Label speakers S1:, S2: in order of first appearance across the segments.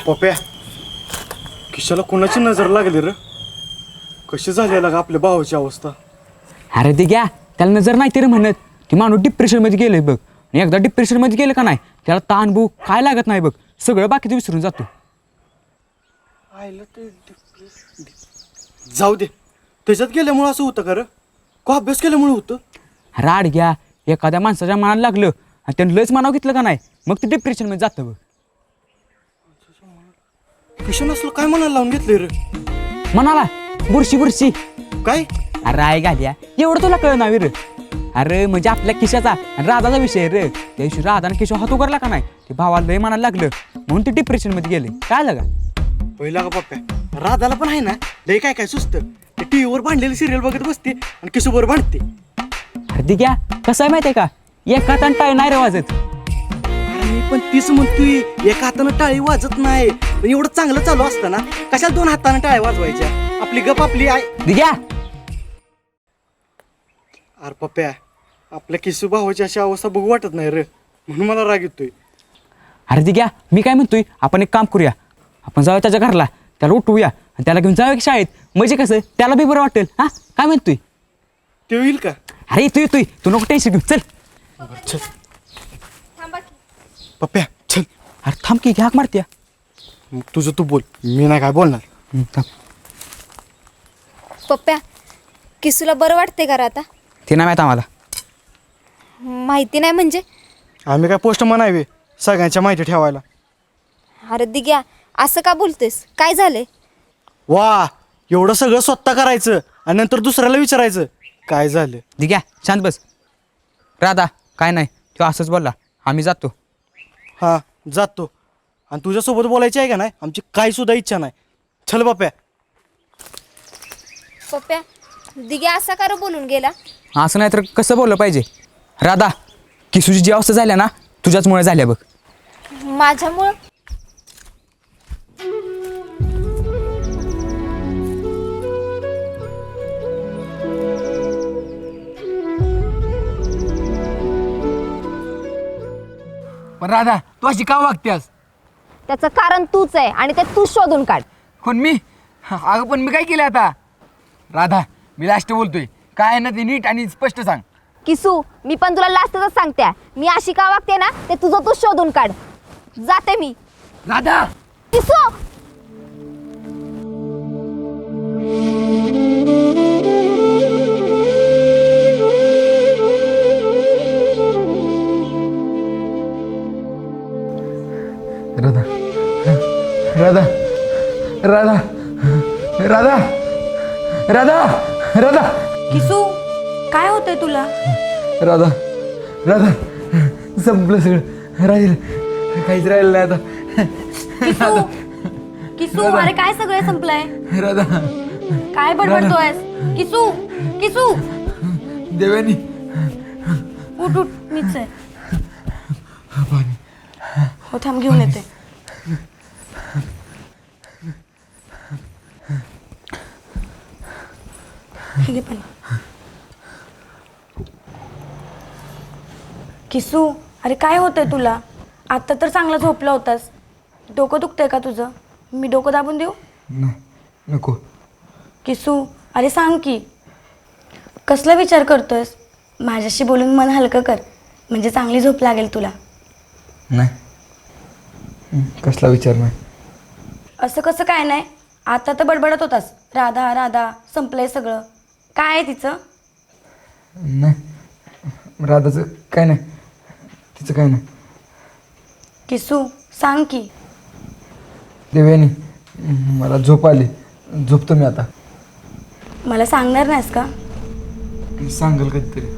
S1: पप्या किशाला कोणाची नजर लागली रे? कशी झाली लागा आपल्या भावाची अवस्था?
S2: अरे ते घ्या, त्याला नजर नाही तरी म्हणत ती माणूस डिप्रेशनमध्ये गेले बघ. आणि एकदा डिप्रेशनमध्ये गेलं का नाही त्याला ताण भूक काय लागत नाही बघ, सगळं बाकीचं विसरून जातो.
S1: जाऊ दे, त्याच्यात गेल्यामुळं असं होतं का रे? का अभ्यास केल्यामुळे होतं?
S2: राड घ्या, एखाद्या माणसाच्या मनाला लागलं आणि त्यानं लयच मनाव घेतलं का नाही मग ते डिप्रेशनमध्ये जातं बघ.
S1: किशन असलं काय म्हणायला लावून घेतलंय रे?
S2: म्हणाला बुरशी
S1: काय?
S2: अरे आहे घाल्या, एवढं तुला कळ नाही रे. अरे म्हणजे आपल्या किशाचा आणि राधाचा विषय रे. त्या दिवशी राधा आणि किशोर हात उगारला का नाही ते भावाला लय मनाला लागलं म्हणून ते डिप्रेशनमध्ये गेले. काय लगा
S1: पहिला का पप्प्या, राधाला पण आहे ना लय काय काय सुचतं. ते टीव्हीवर भांडलेली सिरियल बघत बसते आणि किशोरवर भांडते.
S2: अरे ती घ्या, कसं आहे माहिती आहे का, एका हातानं टाळी नाही रे वाजत.
S1: अरे मी पण तीच म्हणतोय, एका हातानं टाळी वाजत नाही. पण एवढं चांगलं चालू असतं ना कशाला दोन हातानं टाळ्या वाजवायच्या? आपली गप आपली आहे.
S2: ती घ्या
S1: अरे पप्प्या, आपल्या किशू भावाची अशी अवस्था बघू वाटत नाही रे, म्हणून मला राग येतोय.
S2: अरे ती घ्या, मी काय म्हणतोय आपण एक काम करूया, आपण जाऊया त्याच्या घरला, त्याला उठवूया आणि त्याला घेऊन जाऊया की शाळेत. म्हणजे कसं त्याला बी बरं वाटेल. हा काय म्हणतोय?
S1: ते होईल का?
S2: अरे येतोय तू नको टेन्शन घेऊ, चल.
S1: चल पप्प्या चल.
S2: अरे थांब की घ्या मारत्या.
S1: मग तुझं तू बोल, मी नाही काय बोलणार.
S2: थांब.
S3: पप्प्या, किसूला बरं वाटते का रे आता?
S2: ते नाही माहीत आम्हाला.
S3: माहिती नाही म्हणजे?
S1: आम्ही काय पोस्ट म्हणावे सगळ्यांच्या माहिती ठेवायला?
S3: अरे दिग्या, असं का बोलतेस? काय झाले?
S1: वा, एवढं सगळं स्वतः करायचं आणि नंतर दुसऱ्याला विचारायचं काय झालं?
S2: ती घ्या शांत बस. राधा काय नाही, तो असंच बोलला, आम्ही जातो.
S1: हां जातो. आणि तुझ्यासोबत बोलायची आहे का नाही आमची काही सुद्धा इच्छा नाही. चल बाप्या.
S3: पप्प्या, दिग्या असा का रे बोलून गेला?
S2: असं नाही तर कसं बोललं पाहिजे? राधा, किसूची जी अवस्था झाल्या ना तुझ्याचमुळे झाल्या बघ.
S3: माझ्यामुळं?
S4: पण राधा, तू अशी का वागतेस?
S3: त्याचं कारण तूच आहे आणि ते तू शोधून काढ.
S4: कोण मी? अगं पण मी काय केलं आता? राधा, मी लास्ट बोलतोय, काय आहे ना ते नीट आणि स्पष्ट सांग.
S3: किसू, मी पण तुला लास्टच सांगते, मी अशी का वागते ना ते तुझं तू शोधून काढ. जाते मी.
S4: राधा,
S3: किसू,
S4: राधा, राधा, राधा, राधा, राधा, राधा,
S5: किसू, काय होतंय तुला?
S4: राधा, राधा, संपलं सगळं. राहील काहीच राहिलं नाही आता.
S5: किसू, किसू, अरे काय सगळं संपलंय?
S4: राधा,
S5: काय बडबडतोयस? किसू, किसू,
S4: देवानी,
S5: उठ उठ, मीच आहे. हो थांब, घेऊन येते. हे घे पाणी. किसू, अरे काय होतंय तुला? आत्ता तर चांगला झोपला होतास. डोकं दुखतंय का तुझं? मी डोकं दाबून देऊ?
S4: नको.
S5: किसू, अरे सांग की, कसला विचार करतोयस? माझ्याशी बोलून मन हलकं कर, म्हणजे चांगली झोप लागेल तुला.
S4: नाही, कसला विचार नाही.
S5: असं कसं काय नाही? आता तर बडबडत होतास, राधा राधा, संपलंय सगळं. काय आहे तिचं?
S4: नाही, राधाचं काय नाही, तिचं काय नाही.
S5: किसू, सांग की.
S4: देवयानी, मला झोप आली, झोपतो मी आता.
S5: मला सांगणार नाहीस का?
S4: सांगेल कधीतरी.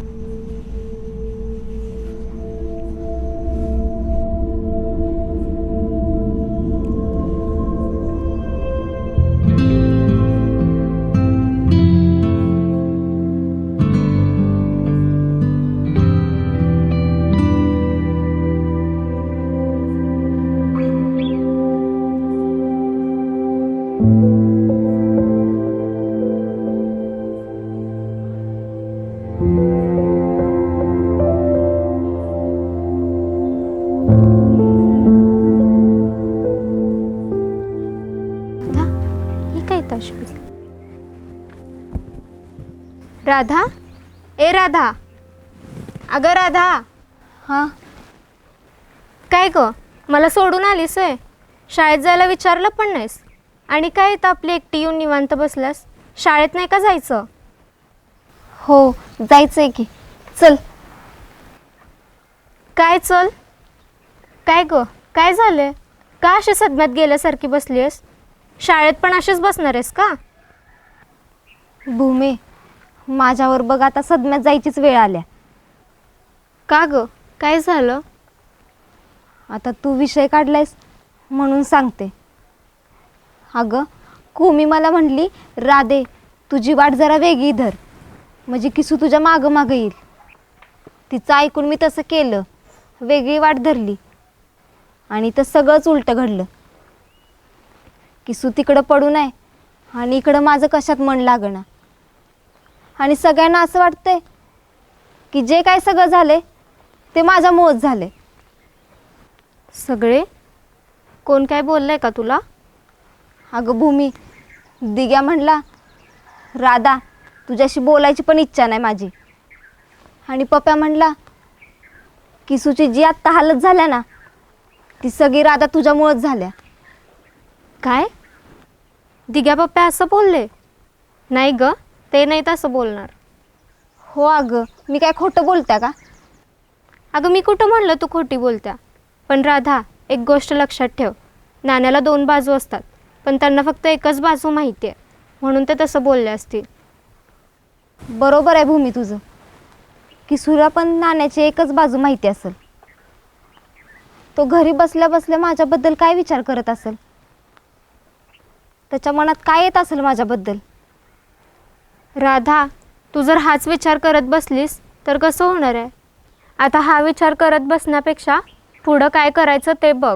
S6: राधा, ए राधा, अगं राधा.
S3: हां
S6: काय ग, मला सोडून आलीस आहे? शाळेत जायला विचारलं पण नाहीस. आणि काय इथं आपली एकटी येऊन निवांत बसल्यास? शाळेत नाही का जायचं?
S3: हो जायचंय की, चल.
S6: काय चल? काय ग, काय झालंय? का अशी सदम्यात गेल्यासारखी बसली आहेस? शाळेत पण अशीच बसणार आहेस का?
S3: भूमी, माझ्यावर बघ आता सदम्यात जायचीच वेळ आल्या.
S6: का ग, काय झालं?
S3: आता तू विषय काढलायस म्हणून सांगते. अगं कुमी मला म्हणली, राधे तुझी वाट जरा वेगळी धर, म्हणजे किसू तुझ्या मागं मागं येईल. तिचं ऐकून मी तसं केलं, वेगळी वाट धरली आणि तर सगळंच उलटं घडलं. किसू तिकडं पडू नये आणि इकडं माझं कशात मन लागणं. आणि सगळ्यांना असं वाटतंय की जे काय सगळं झाले ते माझ्यामुळंच झाले.
S6: सगळे? कोण काय बोललंय का तुला?
S3: अगं भूमी, दिग्या म्हणला, राधा तुझ्याशी बोलायची पण इच्छा नाही माझी. आणि पप्या म्हणला, किसूची जी आत्ता हालत झाल्या ना ती सगळी राधा तुझ्यामुळंच झाल्या.
S6: काय? दिग्या पप्पा असं बोलले? नाही ग, ते नाही तसं बोलणार.
S3: हो अगं, मी काय खोटं बोलत्या का?
S6: अगं मी कुठं म्हणलं तू खोटी बोलत्या? पण राधा, एक गोष्ट लक्षात ठेव, नाण्याला 2 बाजू असतात, पण त्यांना फक्त एकच बाजू माहिती आहे, म्हणून ते तसं बोलले असतील.
S3: बरोबर आहे भूमी तुझं. किसूला पण नाण्याची एकच बाजू माहिती असेल. तो घरी बसल्या बसल्या माझ्याबद्दल काय विचार करत असेल, त्याच्या मनात काय येत असेल माझ्याबद्दल.
S6: राधा, तू जर हाच विचार करत बसलीस तर कसं होणार आहे? आता हा विचार करत बसण्यापेक्षा पुढं काय करायचं ते बघ.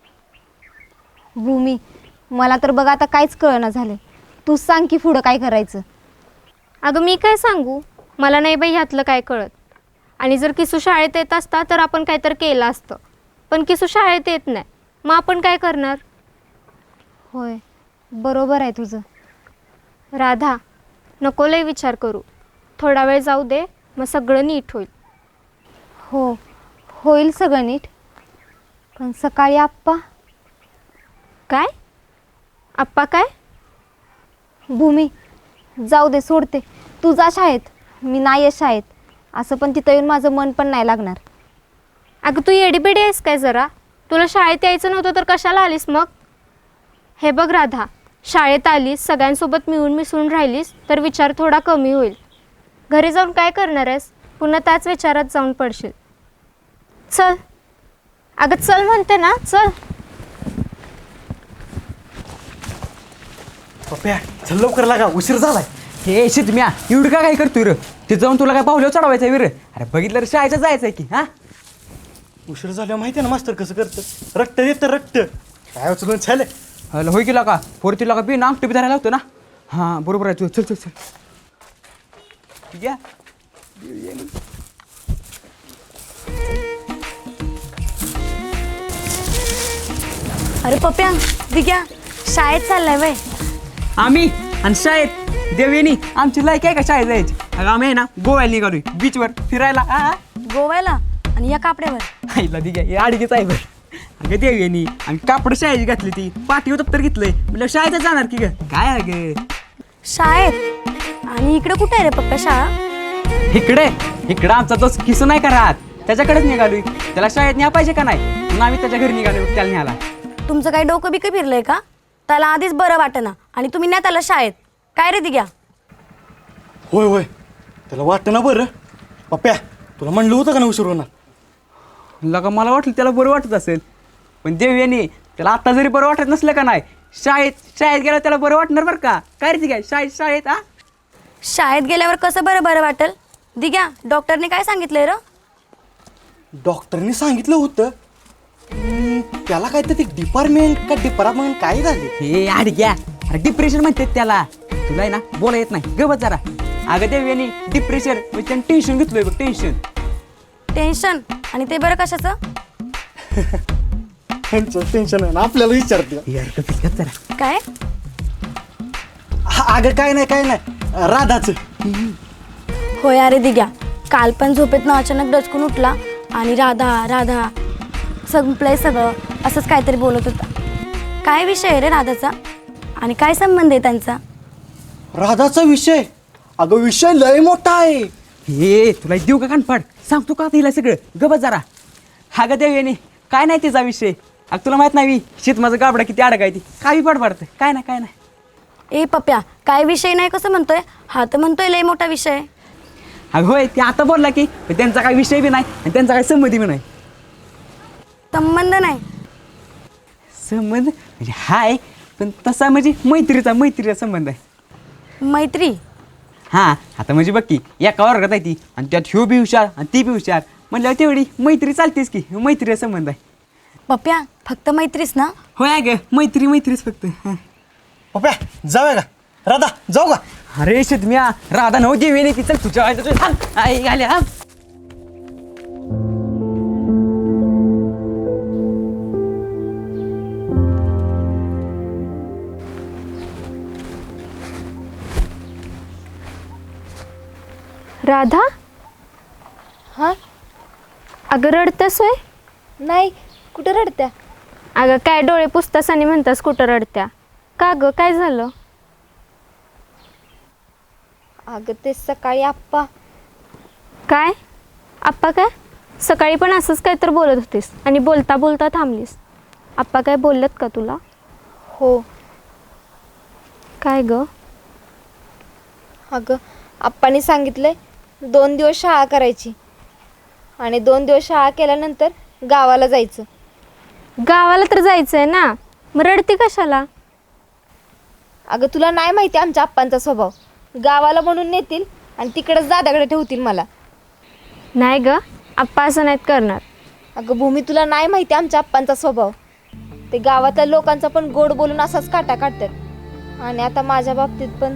S3: भूमी, मला तर बघ आता काहीच कळना झाले. तूच सांग की पुढं काय करायचं.
S6: अगं मी काय सांगू, मला नाही बाई ह्यातलं काय कळत. आणि जर किसू शाळेत येत असता तर आपण काहीतरी केलं असतं, पण किसू शाळेत येत नाही, मग आपण काय करणार?
S3: होय, बरोबर आहे तुझं.
S6: राधा, नको लय विचार करू, थोडा वेळ जाऊ दे, मग सगळं नीट होईल.
S3: हो, होईल सगळं नीट. पण सकाळी आप्पा.
S6: काय? आप्पा काय?
S3: भूमी, जाऊ दे, सोडते. तू जा शाळेत, मी नाही आहे शाळेत. असं पण तिथं येऊन माझं मन पण नाही लागणार.
S6: अगं तू येडीबिडी आहेस काय जरा? तुला शाळेत यायचं नव्हतं तर कशाला आलीस मग? हे बघ राधा, शाळेत आलीस, सगळ्यांसोबत मिळून मिसळून राहिलीस तर विचार थोडा कमी होईल. घरी जाऊन काय करणार आहेस? पुन्हा त्याच विचारात जाऊन पडशील. चल अगं, चल म्हणते ना, चल.
S1: पप्या चल लवकर लागा, उशीर झालाय.
S2: हे शितम्या, एवढं काय करतोय रे? ते जाऊन तुला काय पावलं चढवायचं आहे वीर? अरे बघितलं रे, शाळेचं जायचं आहे की. हा,
S1: उशीर झाल्यावर माहिती आहे ना मास्तर कसं करतं, रक्त येतं रक्त. काय उचलून झालं.
S2: हॅलो, होय केला का? पोरतीला का बी ना अंगठी बी धरायला होतं ना. हां बरोबर आहे तू. चल चल चल, ठीक आहे.
S5: अरे पप्या, दिग्या, शाळेत चाललाय वय?
S2: आम्ही आणि शाळेत देवेनी आमची लायक आहे का शाळेत जायची? अगं आम्ही आहे ना गोव्याला निघालोय बीचवर फिरायला.
S5: गोव्याला? आणि या कापड्यावर?
S2: आईला दिघ्या, हे अडगेच आहे बरं. अगं देवेनी आम्ही कापड शाळेची घातली, ती पाठी दप्तर घेतलंय, म्हणजे शाळेतच जाणार की ग. काय अगं
S5: शाळेत? आणि इकडे कुठे आहे रे पप्पा शाळा?
S2: इकडे आमचा तो किसू नाही का राहत, त्याच्याकडेच निघालोय. त्याला शाळेत न्या पाहिजे का नाही, म्हणून आम्ही त्याच्या घरी निघालो त्याला न्यायला.
S5: तुमचं काही डोकं बिकं फिरलंय का? त्याला आधीच बरं वाटेना आणि तुम्ही नाही त्याला शाळेत. काय रे दिग्या?
S1: होय होय, त्याला वाटतं ना बरं. पप्या तुला म्हणलं होतं का ना उशीर होणार.
S2: लगा मला वाटलं त्याला बरं वाटत असेल, पण देवेनी त्याला आता जरी बरं वाटत नसलं का नाही, शाळेत गेला त्याला बरं वाटणार बरं का. काय रे दिघ्या, शाळेत हा
S5: शाळेत गेल्यावर कसं बरं वाटेल? दिग्या, डॉक्टरने काय सांगितलंय र?
S1: डॉक्टरने सांगितलं होतं त्याला काय तर ते डिपार्टमेंट का डिपार्टमेंट काय झाले.
S2: हे अडग्या, अरे डिप्रेशन म्हणतात त्याला. तुला आहे ना बोला येत नाही, गबत जरा. अगं देवेनी डिप्रेशन म्हणजे टेन्शन घेतलोय बघ, टेन्शन.
S5: टेन्शन? आणि ते बरं कशाचं?
S1: टेन्शन आहे ना, आपल्याला विचारते.
S2: यार कपिल जरा.
S5: काय?
S1: अगं काय नाही राधाचं.
S5: होय अरे दिग्या, काल पण झोपेतनं अचानक दचकून उठला आणि राधा राधा संपलंय सगळं असंच काहीतरी बोलत होता. काय विषय आहे रे राधाचा आणि काय संबंध आहे त्यांचा?
S1: राधाचा विषय? अगं विषय लय मोठा आहे.
S2: हे तुला देऊ का कानपाड? सांगतो का तिला सगळं, गबत जरा. हा ग देव काय नाही तिचा विषय. अगं तुला माहित नाही शेत माझं गाबडा किती अडकाय ती काही पडतं. काय नाही काय नाही.
S5: ए पप्या, काय विषय नाही कसं म्हणतोय? हा तर म्हणतोय लय मोठा विषय.
S2: अगं होय ते आता बोलला की त्यांचा काही विषय बी नाही आणि त्यांचा काही संमती बी नाही.
S5: संबंध नाही?
S2: संबंध म्हणजे हाय, पण तसा म्हणजे मैत्रीचा संबंध आहे.
S5: मैत्री?
S2: हां आता म्हणजे बघ की एका वर्गात आहे ती आणि त्यात ह्यो बी हुशार आणि ती बी हुशार म्हणल्यावर तेवढी मैत्री चालतेच की. मैत्रीचा संबंध आहे.
S5: पप्या फक्त मैत्रीच ना?
S2: होय ग मैत्रीच फक्त. हां.
S1: पप्या जाऊया का? राधा जाऊ का?
S2: अरे शेतम्या राधा नव देवी ती चल तुझ्या आई आल्या.
S6: राधा,
S3: हां
S6: अगं रडतेस होय?
S3: नाही, कुठं रडत्या?
S6: अगं काय डोळे पुसतास आणि म्हणतास कुठं रडत्या? का गं काय झालं?
S3: अगं ते सकाळी आप्पा.
S6: काय आप्पा? काय सकाळी पण असंच काय तर बोलत होतीस आणि बोलता बोलता थांबलीस. आप्पा काय बोललेत का तुला?
S3: हो.
S6: काय ग?
S3: अगं आप्पांनी सांगितलंय 2 दिवस शाळा करायची आणि 2 दिवस शाळा केल्यानंतर गावाला जायचं.
S6: गावाला तर जायचंय ना, मग रडती कशाला?
S3: अगं तुला नाही माहिती आमच्या आप्पांचा स्वभाव. गावाला म्हणून नेतील आणि तिकडंच दादाकडे ठेवतील मला.
S6: नाही ग, आप्पा असं नाहीत करणार.
S3: अगं भूमी, तुला नाही माहिती आमच्या आप्पांचा स्वभाव. ते गावातल्या लोकांचा पण गोड बोलून असाच काटा काढतात आणि आता माझ्या बाबतीत पण.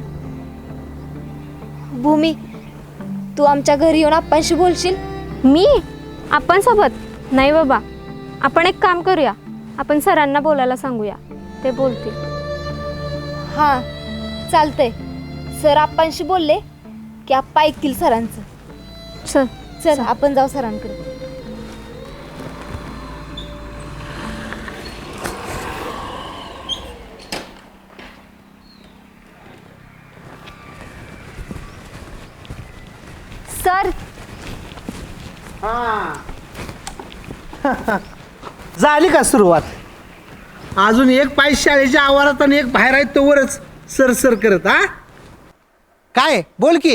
S3: भूमी, तू आमच्या घरी येऊन आप्पांशी बोलशील?
S6: मी आप्पांसोबत? नाही बाबा, आपण एक काम करूया, आपण सरांना बोलायला सांगूया, ते बोलतील.
S3: हां चालतंय. सर आप्पांशी बोलले की आप्पा ऐकतील सरांचं.
S6: चल
S3: चल आपण जाऊ सरांकडे. सर,
S7: झाली का सुरुवात? अजून एक पाय शाळेच्या आवारात आणि एक बाहेर आहेत तोवरच सर करत. हा काय बोल की.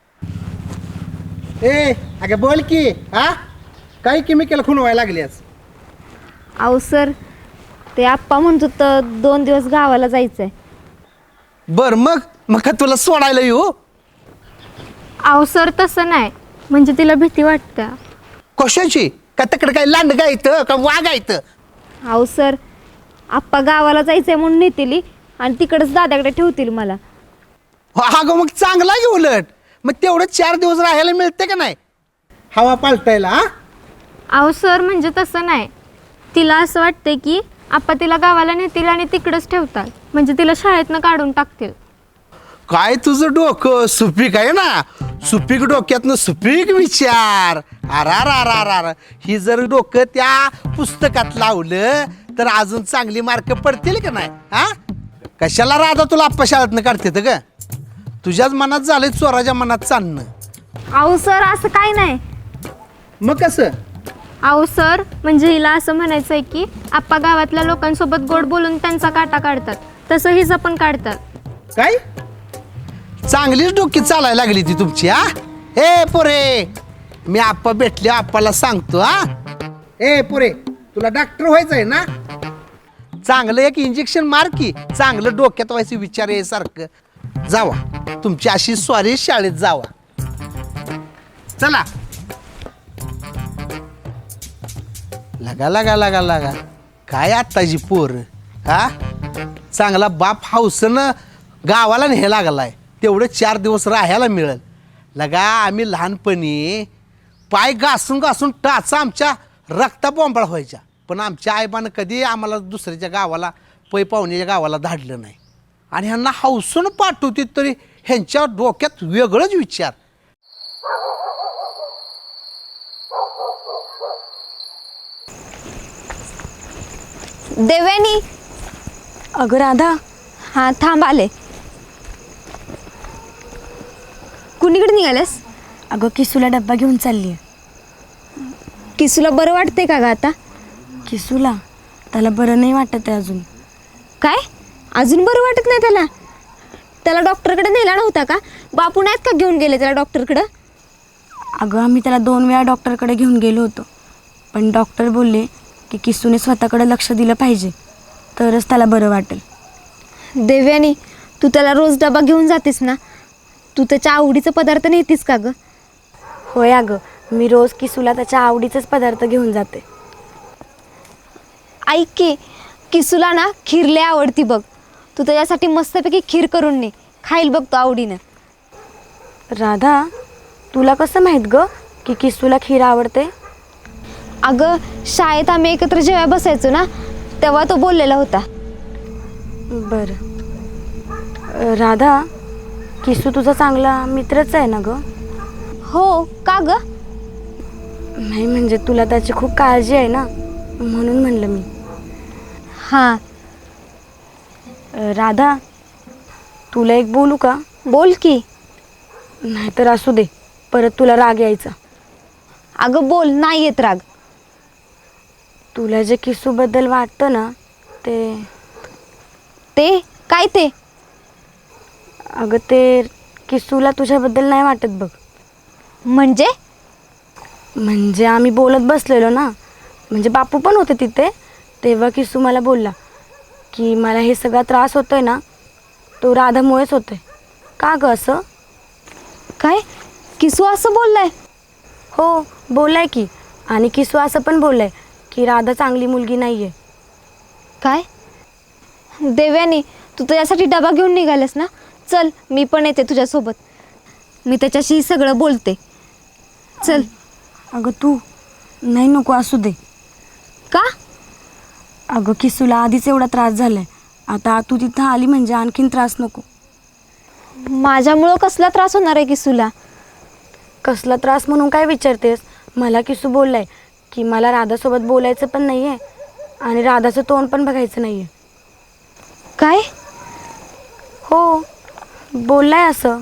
S7: ए अगे बोल की. हा काही केमिकल खुणवायला लागल्यास?
S3: अहो सर, ते आप्पा म्हणत होतं 2 दिवस गावाला जायचंय.
S7: बर मग का तुला सोडायला येऊ?
S6: अहो सर तसं नाही, म्हणजे तिला भीती वाटते.
S7: कशाची? का तिकडे काय लांड गायतं का वागायतं?
S3: अहो सर, आप्पा गावाला जायचंय म्हणून नेतील आणि तिकडंच दादाकडे ठेवतील मला.
S7: अगं मग चांगला आहे उलट. मग तेवढं 4 दिवस राहायला मिळते का नाही हवा पालटायला? हा
S6: अहो सर म्हणजे तसं नाही, तिला असं वाटतंय की आप्पा तिला गावाला नेतील आणि तिकडंच ठेवतात, म्हणजे तिला शाळेतनं काढून टाकतील.
S7: काय तुझं डोकं सुपीक आहे ना. सुपीक डोक्यातनं सुपीक विचार. अरार ही जर डोकं त्या पुस्तकात लावलं तर अजून चांगली मार्क पडतील का नाही? हा कशाला राधा तुला आप्पा शाळेतनं काढते ग? तुझ्याच मनात झालंय चोराच्या मनात चालणं.
S6: अहो सर असं काय नाही.
S7: मग कसं?
S6: अहो सर म्हणजे हिला असं म्हणायचं आहे की आप्पा गावातल्या लोकांसोबत गोड बोलून त्यांचा काटा काढतात, तसं हिचं पण काढतात.
S7: काय चांगलीच डोकी चालायला लागली ती तुमची. हा ए पोरे, मी आप्पा भेटले आप्पाला सांगतो. हा ए पोरे, तुला डॉक्टर व्हायचं आहे ना? चांगलं एक इंजेक्शन मार की, चांगलं डोक्यात व्हायचं विचार आहे सारखं. जावा तुमची अशी स्वारी शाळेत जावा. चला. लगा काय आत्ताची पोर. हा चांगला बाप हाऊसनं गावाला न्यायला लागलाय, तेवढे 4 दिवस राहायला मिळेल. लगा आम्ही लहानपणी पाय घासून टाचा आमच्या रक्ता बोंबाळ व्हायच्या, पण आमच्या आईबानं कधी आम्हाला दुसऱ्याच्या गावाला पै पाहुण्याच्या गावाला धाडलं नाही. आणि ह्यांना हौसून पाठवते तरी ह्यांच्या डोक्यात वेगळंच विचार.
S3: देव्यानी.
S5: अगं राधा,
S3: हां थांब आले. कुणीकडे निघालेस?
S5: अगं किसूला डब्बा घेऊन चालली आहे.
S3: किसूला बरं वाटते का ग आता?
S5: किसूला त्याला बरं नाही वाटत आहे अजून.
S3: काय अजून बरं वाटत नाही त्याला? त्याला डॉक्टरकडे नेला नव्हता का? बापू नाहीत का घेऊन गेले त्याला डॉक्टरकडं?
S5: अगं आम्ही त्याला 2 वेळा डॉक्टरकडे घेऊन गेलो होतो, पण डॉक्टर बोलले की किसूने स्वतःकडे लक्ष दिलं पाहिजे तरच त्याला बरं वाटेल.
S3: देव्यानी, तू त्याला रोज डबा घेऊन जातेस ना? तू त्याच्या आवडीचं पदार्थ नेतीस का ग?
S5: होय अगं, मी रोज किसूला त्याच्या आवडीचेच पदार्थ घेऊन जाते.
S3: ऐक की, किसूला ना खीर लय आवडती बघ. तू त्याच्यासाठी मस्तपैकी खीर करून ने, खाईल बघ तो आवडीनं.
S5: राधा, तुला कसं माहीत ग की किसूला खीर आवडते?
S3: अगं शाळेत आम्ही एकत्र जेव्हा बसायचो ना, तेव्हा तो बोललेला होता.
S5: बरं. राधा, किसू तुझा चांगला मित्रच आहे ना ग?
S3: हो का ग?
S5: नाही म्हणजे तुला त्याची खूप काळजी आहे ना, म्हणून म्हणलं मी.
S3: हां
S5: राधा, तुला एक बोलू का?
S3: बोल की.
S5: नाहीतर असू दे, परत तुला राग यायचा.
S3: अगं बोल, नाही येत राग.
S5: तुला जे किसूबद्दल वाटतं ना ते
S3: ते काय ते?
S5: अगं ते किसूला तुझ्याबद्दल नाही वाटत बघ. म्हणजे आम्ही बोलत बसलेलो ना, म्हणजे बापू पण होते तिथे, तेव्हा किसू मला बोलला की मला हे सगळा त्रास होतोय ना तो राधामुळेच होतोय. का ग असं?
S3: काय किसू असं बोललाय?
S5: हो बोललाय की. आणि किसू असं पण बोललाय की राधा चांगली मुलगी नाही आहे.
S3: काय देव्यानी, तू त्याच्यासाठी डबा घेऊन निघालेस ना? चल मी पण येते तुझ्यासोबत. मी त्याच्याशी सगळं बोलते. चल.
S5: अगं तू नाही, नको असू दे.
S3: का?
S5: अगं किसूला आधीच एवढा त्रास झालाय, आता तू तिथं आली म्हणजे आणखीन त्रास नको.
S3: माझ्यामुळं कसला त्रास होणार आहे किसूला?
S5: कसला त्रास म्हणून काय विचारतेस? मला किसू बोललाय की मला राधासोबत बोलायचं पण नाही आहे आणि राधाचं तोंड पण बघायचं नाही आहे.
S3: काय?
S5: हो बोललाय असं.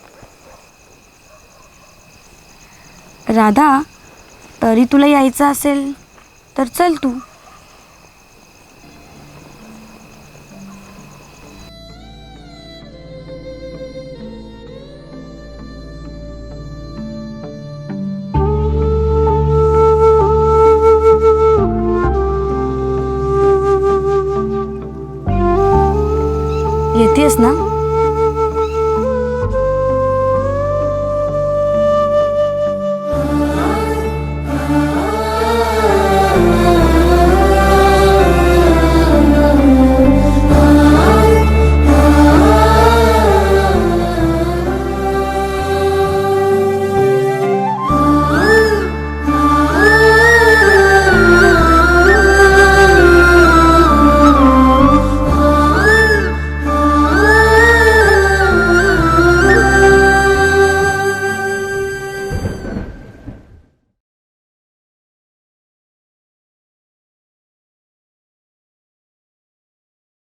S5: राधा, तरी तुला यायचं असेल तर चल तू. येतेस ना?